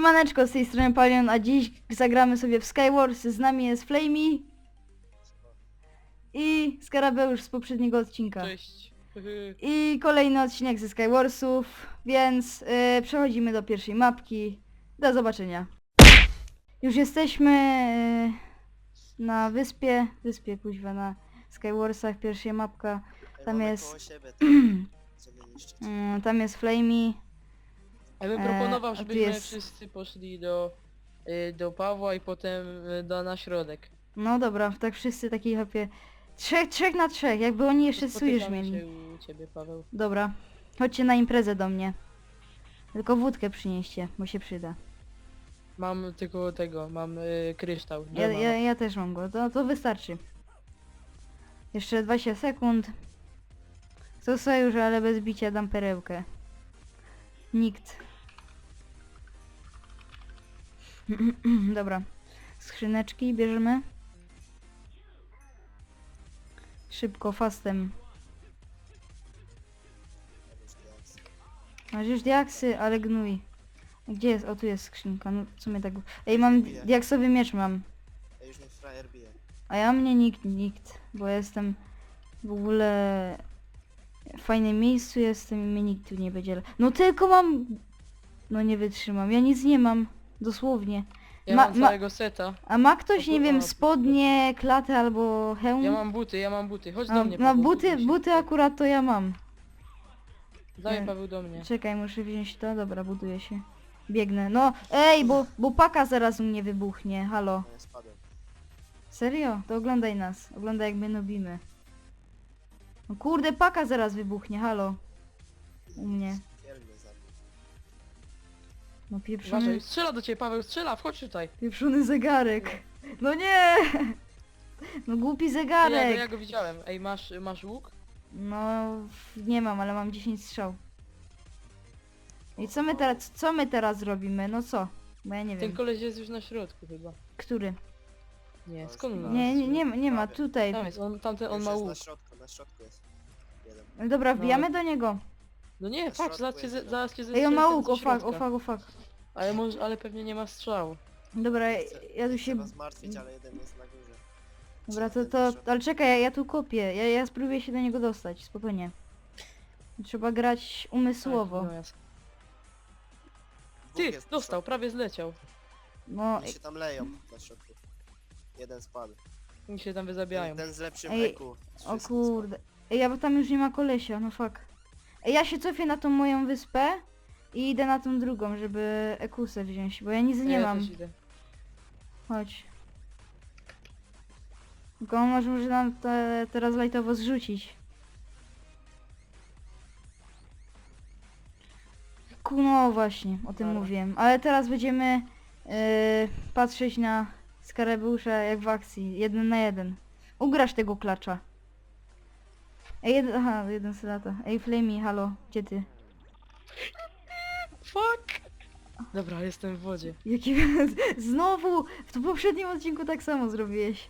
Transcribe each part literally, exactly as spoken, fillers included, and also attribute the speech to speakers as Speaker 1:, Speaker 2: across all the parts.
Speaker 1: Siemaneczko, z tej strony Palion, a dziś zagramy sobie w Skywars. Z nami jest Flamey i Skarabeusz z poprzedniego odcinka.
Speaker 2: Cześć.
Speaker 1: I kolejny odcinek ze Skywarsów, więc yy, przechodzimy do pierwszej mapki. Do zobaczenia. Już jesteśmy yy, na wyspie, wyspie kuźwa, na Skywarsach, pierwsza mapka. Tam jest,
Speaker 3: Siebie, tam, żeby niszczyć.
Speaker 1: yy, tam jest Flamey.
Speaker 2: Ja bym
Speaker 1: E,
Speaker 2: proponował,
Speaker 1: a tu
Speaker 2: żebyśmy
Speaker 1: jest-
Speaker 2: wszyscy poszli do, y, do Pawła i potem y, do, na środek.
Speaker 1: No dobra, tak wszyscy taki hopie. Trzech, trzech na trzech, jakby oni jeszcze sojusz
Speaker 2: Spotykamy
Speaker 1: mieli.
Speaker 2: się u ciebie, Paweł.
Speaker 1: Dobra, chodźcie na imprezę do mnie. Tylko wódkę przynieście, bo się przyda.
Speaker 2: Mam tylko tego, mam y, kryształ.
Speaker 1: Ja,
Speaker 2: Doma.
Speaker 1: ja, ja też mam go, to, to wystarczy. Jeszcze dwadzieścia sekund. Co sojusz, ale bez bicia dam perełkę. Nikt. Dobra. Skrzyneczki bierzemy. Szybko, fastem. Masz już diaksy, ale gnój. Gdzie jest? O, tu jest skrzynka. No, co mnie tak... Ej, mam
Speaker 3: Bije.
Speaker 1: diaksowy miecz mam.
Speaker 3: Ja już mnie frajer bije.
Speaker 1: A ja mnie nikt, nikt. Bo jestem w ogóle... W fajnym miejscu jestem i mnie nikt tu nie będzie... No tylko mam... No nie wytrzymam. Ja nic nie mam. Dosłownie.
Speaker 2: Ja
Speaker 1: ma-
Speaker 2: mam
Speaker 1: ma-
Speaker 2: całego seta.
Speaker 1: A ma ktoś,
Speaker 2: O,
Speaker 1: nie
Speaker 2: o,
Speaker 1: wiem,
Speaker 2: o,
Speaker 1: spodnie, klatę albo hełm?
Speaker 2: Ja mam buty, ja mam buty. Chodź
Speaker 1: A,
Speaker 2: do mnie,
Speaker 1: no
Speaker 2: Paweł.
Speaker 1: buty,
Speaker 2: buduj się.
Speaker 1: buty akurat to ja mam.
Speaker 2: Daj,
Speaker 1: Nie.
Speaker 2: Paweł, do mnie.
Speaker 1: Czekaj, muszę wziąć to. Dobra, buduję się. Biegnę. No, ej, bo, bo paka zaraz u mnie wybuchnie. Halo.
Speaker 3: No ja spadłem.
Speaker 1: Serio? To oglądaj nas. Oglądaj, jak my nubimy. No kurde, paka zaraz wybuchnie. Halo. U mnie.
Speaker 3: Kiel mnie zabił.
Speaker 1: No pieprzony,
Speaker 2: Uważaj, strzela do ciebie, Paweł, strzela, wchodź tutaj.
Speaker 1: pieprzony zegarek. No nie! No głupi
Speaker 2: Ja, go-
Speaker 1: zegarek.
Speaker 2: ja go widziałem. Ej, masz, masz łuk?
Speaker 1: No, nie mam, ale mam dziesięć strzał. I co my teraz, co my teraz robimy? No co? Bo ja nie
Speaker 2: Ten
Speaker 1: wiem.
Speaker 2: koleś jest już na środku chyba.
Speaker 1: Który?
Speaker 2: Nie, skąd on
Speaker 1: Nie,
Speaker 2: nas-
Speaker 1: nie, nie, ma- nie ma, tutaj.
Speaker 2: Tam jest, on, tamten, on
Speaker 3: Już
Speaker 2: ma
Speaker 3: jest
Speaker 2: łuk.
Speaker 3: na środku, na środku jest. Jeden.
Speaker 1: No dobra, wbijamy do niego.
Speaker 2: No nie,
Speaker 3: Na
Speaker 2: patrz,
Speaker 3: środku
Speaker 2: zaraz cię,
Speaker 3: jest
Speaker 2: ze-
Speaker 3: jeden.
Speaker 2: zaraz cię
Speaker 1: Ej, on ma
Speaker 2: zestrzeli
Speaker 1: łuk,
Speaker 2: ze
Speaker 1: o fuck, o
Speaker 2: środka.
Speaker 1: fuck, o fuck.
Speaker 2: Ale, może, ale pewnie nie ma strzału.
Speaker 1: Dobra,
Speaker 3: Nie chcę-
Speaker 1: ja tu
Speaker 3: nie
Speaker 1: się...
Speaker 3: chcę was martwić, ale jeden jest na górze.
Speaker 1: Dobra, to,
Speaker 3: Jeden
Speaker 1: to,
Speaker 3: na środku.
Speaker 1: ale czekaj, ja, ja tu kopię, ja, ja spróbuję się do niego dostać, spokojnie. Trzeba grać umysłowo.
Speaker 2: Tak, no jasne.
Speaker 3: Dwóch
Speaker 2: Ty,
Speaker 3: jest na
Speaker 2: dostał,
Speaker 3: środku.
Speaker 2: prawie zleciał.
Speaker 1: No,
Speaker 3: Oni się tam leją na środku. Jeden spadł.
Speaker 2: Oni się tam wyzabijają.
Speaker 3: Ten, ten z lepszym
Speaker 1: Ej,
Speaker 3: E Q.
Speaker 1: o kurde. Ej, ja bo tam już nie ma kolesia, no fuck. Ej, ja się cofię na tą moją wyspę i idę na tą drugą, żeby ekusę wziąć, bo ja nic nie
Speaker 2: ja
Speaker 1: mam.
Speaker 2: Też idę.
Speaker 1: Chodź. Tylko on może, może nam te, teraz lajtowo zrzucić. Ku, no właśnie, o tym
Speaker 2: Dobra.
Speaker 1: mówiłem. Ale teraz będziemy yy, patrzeć na Skarabeusza jak w akcji. Jeden na jeden. Ugrasz tego klacza. Ej, jeden, aha, jeden sedata. Ej, Flamey, halo, gdzie ty?
Speaker 2: Fuck! Dobra, jestem w wodzie.
Speaker 1: Jaki... Znowu! W tym poprzednim odcinku tak samo zrobiłeś.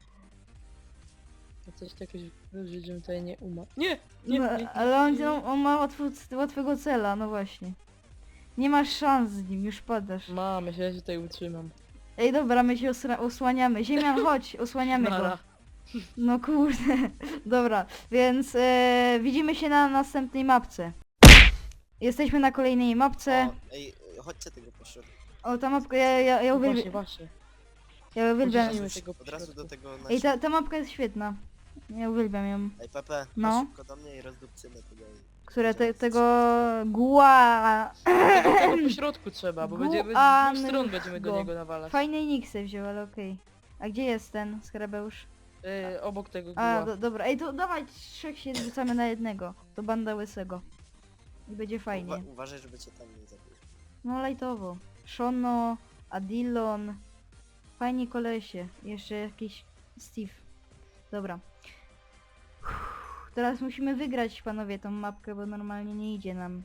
Speaker 2: Ja coś takiego, żebym tutaj nie umarł. Nie! Nie,
Speaker 1: No,
Speaker 2: nie, nie,
Speaker 1: ale on,
Speaker 2: nie.
Speaker 1: on, on ma łatwo, łatwego cela, no właśnie. Nie masz szans z nim, już padasz.
Speaker 2: Mamy, ja się tutaj utrzymam.
Speaker 1: Ej, dobra, my się osra- osłaniamy. Ziemian, chodź, osłaniamy go.
Speaker 2: Nara.
Speaker 1: No kurde. Dobra, więc e, widzimy się na następnej mapce. Jesteśmy na kolejnej mapce.
Speaker 3: O, ej, chodźcie tego po środku.
Speaker 1: O, ta mapka, ja, ja, ja
Speaker 2: No właśnie,
Speaker 1: uwielbiam.
Speaker 2: właśnie.
Speaker 1: Ja uwielbiam.
Speaker 2: Uciśnijmy
Speaker 3: Od razu,
Speaker 2: tego
Speaker 3: od razu do
Speaker 2: pośrodku.
Speaker 3: tego na
Speaker 1: Ej, ta, ta mapka jest świetna. Ja uwielbiam ją.
Speaker 3: Ej, Pepe,
Speaker 1: No.
Speaker 3: no. szybko do mnie i rozdupcymy tego.
Speaker 1: Które te, tego gua...
Speaker 2: Tego, tego po środku trzeba, bo będziemy z
Speaker 1: Guan-
Speaker 2: dwóch stron będziemy do
Speaker 1: go.
Speaker 2: niego nawalać.
Speaker 1: Fajnej niksy wziął, ale okej. A gdzie jest ten Skarabeusz?
Speaker 2: Yy, obok tego
Speaker 1: A,
Speaker 2: guła.
Speaker 1: do, dobra. Ej, to dawaj trzech się zrzucamy na jednego. To banda łysego. I będzie fajnie.
Speaker 3: Uwa uważaj, żeby cię tam nie zabił.
Speaker 1: No lajtowo. Shono, Adilon. Fajni kolesie. Jeszcze jakiś Steve. Dobra. Uff, teraz musimy wygrać, panowie, tą mapkę, bo normalnie nie idzie nam.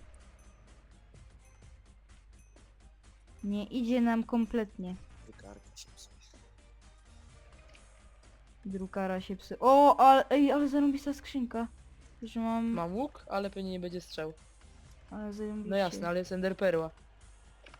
Speaker 1: Nie idzie nam kompletnie.
Speaker 3: Wykarka się psuje.
Speaker 1: Drukara się psy. O, ale, ej, ale zarąbista skrzynka. Że mam...
Speaker 2: Mam łuk, ale pewnie nie będzie strzał.
Speaker 1: Ale zarąbiście.
Speaker 2: No jasne, ale jest enderperła.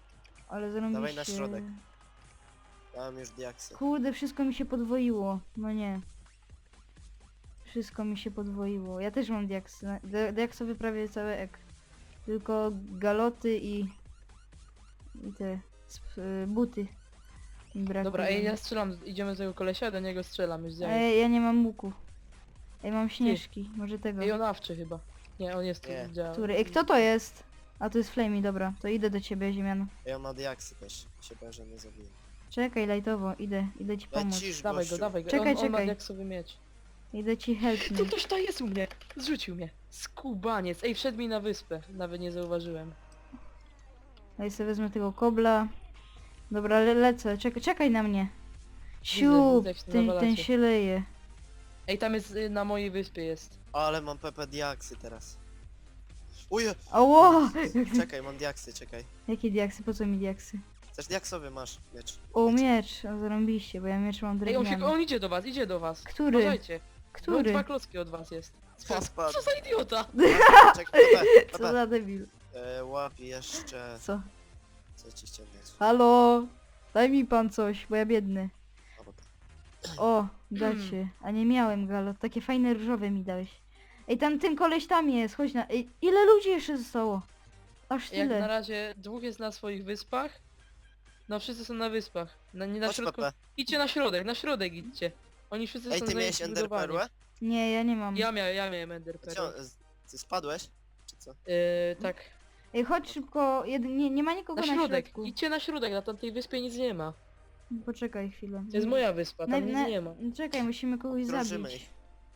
Speaker 1: Ale zarąbiście.
Speaker 3: Dawaj na środek. Ja mam już diaksy.
Speaker 1: Kurde, wszystko mi się podwoiło. No nie. Wszystko mi się podwoiło. Ja też mam diaksy. Na- di- Diaksowy prawie cały ek. Tylko galoty i... I te... sp- y, buty. Mi brakuje.
Speaker 2: Dobra, ej, ja strzelam, idziemy do tego kolesia, do niego strzelam, już zjadł.
Speaker 1: Ej, ja nie mam łuku. Ej, mam śnieżki. Może tego.
Speaker 2: Ej, on awczy chyba. Nie, on jest tu,
Speaker 3: Nie.
Speaker 2: działa.
Speaker 1: Który? Ej, kto to jest? A to jest Flamey, dobra. To idę do ciebie, Ziemian.
Speaker 3: Ja mam diaksy też. Się boję, że mnie zabiję.
Speaker 1: Czekaj, lajtowo. Idę. Idę ci pomóc.
Speaker 3: Lecisz,
Speaker 2: Dawaj go,
Speaker 3: gościu.
Speaker 2: dawaj go.
Speaker 1: Czekaj,
Speaker 2: on, on ma
Speaker 1: czekaj.
Speaker 2: diaksowy miecz.
Speaker 1: Idę ci help
Speaker 2: Tu
Speaker 1: me.
Speaker 2: ktoś to jest u mnie! Zrzucił mnie. Skubaniec. Ej, wszedł mi na wyspę. Nawet nie zauważyłem.
Speaker 1: Ja sobie wezmę tego kobla. Dobra, le lecę. Czekaj, czekaj na mnie. Siup,
Speaker 2: widzę, jak się
Speaker 1: ten, ten
Speaker 2: nawalacie.
Speaker 1: się leje.
Speaker 2: Ej, tam jest, y, na mojej wyspie jest.
Speaker 3: Ale mam Pepe diaksy teraz. Uje!
Speaker 1: Oło!
Speaker 3: Czekaj, mam diaksy, czekaj.
Speaker 1: Jakie diaksy? Po co mi diaksy?
Speaker 3: Też diaksowy masz miecz.
Speaker 1: O, miecz. O, zarąbiście, bo ja miecz mam
Speaker 2: Ej, on, się,
Speaker 1: drewniany.
Speaker 2: on idzie do was, idzie do was.
Speaker 1: Który?
Speaker 2: Uważajcie. No,
Speaker 1: Który?
Speaker 2: dwa klocki od was jest. Spadł.
Speaker 3: Spadł.
Speaker 2: Co za idiota!
Speaker 3: Czekaj, Pepe,
Speaker 1: Co
Speaker 3: Pepe.
Speaker 1: za debil.
Speaker 3: E, łap jeszcze...
Speaker 1: Co?
Speaker 3: Co ci ściągnąć?
Speaker 1: Halo? Daj mi pan coś, bo ja biedny.
Speaker 3: O, Pepe.
Speaker 1: O, dacie. A nie miałem galot. Takie fajne różowe mi dałeś. Ej, tam ten koleś tam jest, chodź na... Ej, ile ludzi jeszcze zostało? Aż
Speaker 2: Jak na
Speaker 1: tyle.
Speaker 2: razie dwóch jest na swoich wyspach. No wszyscy są na wyspach. Na, nie na
Speaker 3: Chodź,
Speaker 2: środku.
Speaker 3: Pepe.
Speaker 2: Idźcie na środek, na środek idźcie. Oni wszyscy
Speaker 3: Ej,
Speaker 2: są
Speaker 3: ty
Speaker 2: zajęci
Speaker 3: miałeś ender
Speaker 2: budowaniem.
Speaker 3: perłę?
Speaker 1: Nie, ja nie mam.
Speaker 2: Ja miałem, ja miałem ender
Speaker 3: Co,
Speaker 2: pearl.
Speaker 3: z- ty spadłeś? Czy co?
Speaker 2: Yy, tak.
Speaker 1: Ej, chodź szybko. Jed... Nie, nie ma nikogo
Speaker 2: Na
Speaker 1: na,
Speaker 2: środek.
Speaker 1: środku.
Speaker 2: Idźcie na środek, na tamtej wyspie nic nie ma.
Speaker 1: Poczekaj chwilę.
Speaker 2: To jest moja wyspa, tam
Speaker 1: Na-
Speaker 2: nic
Speaker 1: na-
Speaker 2: nie ma.
Speaker 1: Czekaj, musimy kogoś
Speaker 3: Drążymy
Speaker 1: zabić.
Speaker 3: ich.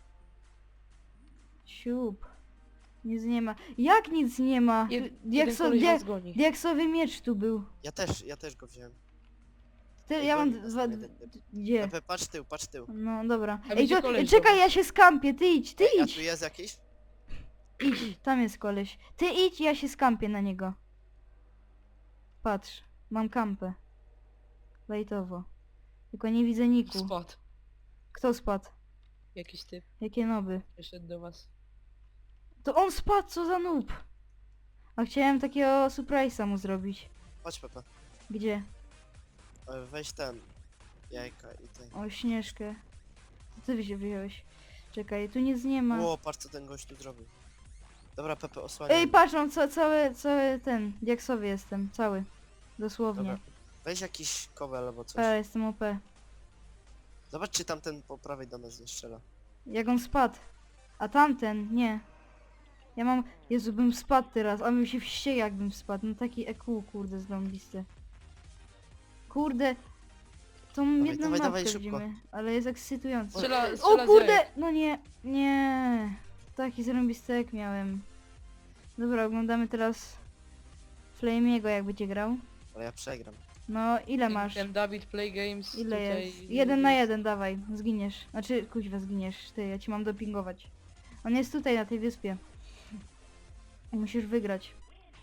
Speaker 1: Siup. Nic nie ma. Jak nic nie ma?
Speaker 2: Jed,
Speaker 1: Tu-
Speaker 2: jeden
Speaker 1: Diakso...
Speaker 2: koleś
Speaker 1: Dia...
Speaker 2: was goni.
Speaker 1: Diaksowy miecz tu był.
Speaker 3: Ja też, ja też go wziąłem.
Speaker 1: Ty,
Speaker 3: Ej,
Speaker 1: ja mam
Speaker 3: goni nas
Speaker 1: dwa...
Speaker 3: ten jeden typ.
Speaker 1: Gdzie?
Speaker 3: Pepe, patrz tył, patrz tył.
Speaker 1: No dobra.
Speaker 2: A
Speaker 1: Ej,
Speaker 2: gdzie
Speaker 1: to...
Speaker 2: koleś
Speaker 1: czekaj,
Speaker 2: był?
Speaker 1: ja się skampię, ty idź, ty
Speaker 3: Ej, a
Speaker 1: idź.
Speaker 3: tu jest jakiś?
Speaker 1: Idź, tam jest koleś. Ty idź, ja się skampię na niego. Patrz, mam kampę. Lajtowo. Tylko nie widzę niku.
Speaker 2: Spadł.
Speaker 1: Kto spadł?
Speaker 2: Jakiś typ
Speaker 1: Jakie noby?
Speaker 2: przyszedł do was.
Speaker 1: To on spadł, co za noob. A chciałem takiego surprise'a mu zrobić.
Speaker 3: Chodź, Pepe.
Speaker 1: Gdzie?
Speaker 3: E, Weź ten. Jajka i ten.
Speaker 1: O, Śnieżkę. Co ty się wziąłeś? Czekaj, tu nic nie ma.
Speaker 3: Ło, patrz co ten gość tu zrobił. Dobra, Pepe, osłaniaj.
Speaker 1: Ej,
Speaker 3: mnie.
Speaker 1: patrz, mam ca cały, cały ten, diaksowy jestem, cały. Dosłownie.
Speaker 3: Dobra. Weź jakiś kowel albo coś.
Speaker 1: P, jestem O P.
Speaker 3: Zobacz czy tamten po prawej do nas nie strzela.
Speaker 1: Jak on spadł. A tamten, nie. Ja mam... Jezu, bym spadł teraz, a bym się wściekł jakbym spadł. No taki E Q, kurde, zrąbisty. Kurde. Tą jedną
Speaker 3: dawaj,
Speaker 1: mapkę
Speaker 3: dawaj, szybko.
Speaker 1: widzimy, ale jest ekscytujące.
Speaker 2: Strzela,
Speaker 1: O
Speaker 2: strzela z
Speaker 1: kurde!
Speaker 2: jajek.
Speaker 1: No nie, nie. Taki zrąbisty jak miałem. Dobra, oglądamy teraz Flamey'ego jak będzie grał.
Speaker 3: Ale ja przegram.
Speaker 1: No, ile
Speaker 2: Ten-
Speaker 1: masz?
Speaker 2: Ten Dawid Play Games
Speaker 1: Ile
Speaker 2: tutaj
Speaker 1: jest? Jeden na
Speaker 2: jest.
Speaker 1: jeden, dawaj, zginiesz. Znaczy, kuźwa, zginiesz, ty, ja ci mam dopingować. On jest tutaj, na tej wyspie. Musisz wygrać.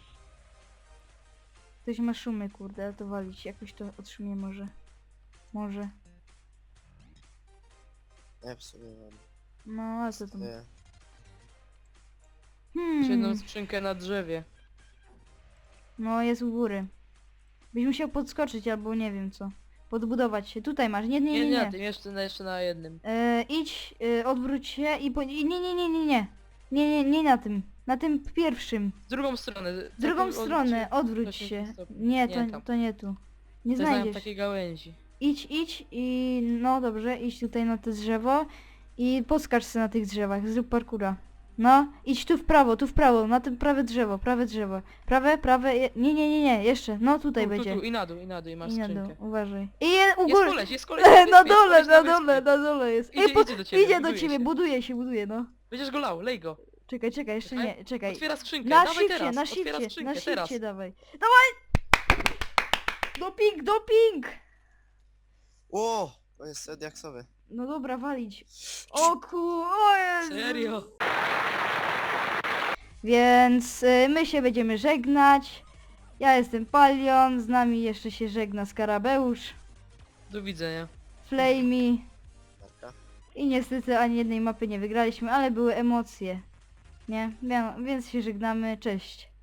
Speaker 1: Ktoś ma szumy, kurde, ale to walić, jakoś to otrzymie może. Może.
Speaker 3: Nie, w sumie mam.
Speaker 1: No, a co tam?
Speaker 3: Nie.
Speaker 2: Masz jedną
Speaker 1: Hmm,
Speaker 2: skrzynkę na drzewie.
Speaker 1: no jest u góry. Byś musiał podskoczyć albo nie wiem co. Podbudować się. Tutaj masz, nie, nie,
Speaker 2: Nie,
Speaker 1: nie,
Speaker 2: nie,
Speaker 1: nie.
Speaker 2: na tym, jeszcze, na- jeszcze na jednym.
Speaker 1: E, idź, e, odwróć się i po... i Nie, nie, nie, nie, nie. Nie, nie, nie na tym. Na tym pierwszym.
Speaker 2: W drugą stronę.
Speaker 1: W drugą
Speaker 2: Taką-
Speaker 1: stronę, odwróć
Speaker 2: osiemdziesiąt
Speaker 1: się.
Speaker 2: stopni.
Speaker 1: Nie,
Speaker 2: Nie,
Speaker 1: to,
Speaker 2: tam.
Speaker 1: to nie tu. Nie
Speaker 2: To znałem
Speaker 1: znajdziesz.
Speaker 2: takiej gałęzi.
Speaker 1: Idź, idź i no dobrze, idź tutaj na to drzewo i podskacz sobie na tych drzewach, zrób parkura. No, idź tu w prawo, tu w prawo, na tym prawe drzewo, prawe drzewo. Prawe, prawe, je... nie, nie, nie, nie, jeszcze, no tutaj
Speaker 2: Tu, tu,
Speaker 1: będzie.
Speaker 2: tu, i na dół, i na dół, i masz
Speaker 1: I na
Speaker 2: skrzynkę.
Speaker 1: dół, uważaj. I je, u
Speaker 2: Jest
Speaker 1: góry.
Speaker 2: koleś, jest koleś na wyspie,
Speaker 1: Na
Speaker 2: jest
Speaker 1: dole,
Speaker 2: koleś
Speaker 1: na
Speaker 2: wyspie.
Speaker 1: dole, na dole jest.
Speaker 2: Idzie,
Speaker 1: po-
Speaker 2: idzie do ciebie,
Speaker 1: idzie do
Speaker 2: buduje
Speaker 1: ciebie,
Speaker 2: się.
Speaker 1: buduje się, buduje, no.
Speaker 2: Będziesz go lał, lej go.
Speaker 1: Czekaj, czekaj, jeszcze
Speaker 2: Czekaj.
Speaker 1: nie, czekaj.
Speaker 2: Otwiera skrzynkę,
Speaker 1: Na
Speaker 2: dawaj
Speaker 1: shifcie,
Speaker 2: teraz,
Speaker 1: na
Speaker 2: otwiera
Speaker 1: shifcie,
Speaker 2: skrzynkę,
Speaker 1: na
Speaker 2: teraz.
Speaker 1: shifcie dawaj. Dawaj! Doping, doping!
Speaker 3: O, to jest diaksowy.
Speaker 1: No dobra, walić. O ku... o Jezu.
Speaker 2: Serio?
Speaker 1: Więc y, my się będziemy żegnać. Ja jestem Palion, z nami jeszcze się żegna Skarabeusz,
Speaker 2: Do widzenia.
Speaker 1: Flamey
Speaker 3: Marka.
Speaker 1: i niestety ani jednej mapy nie wygraliśmy, ale były emocje. Nie? Wie- Więc się żegnamy, cześć.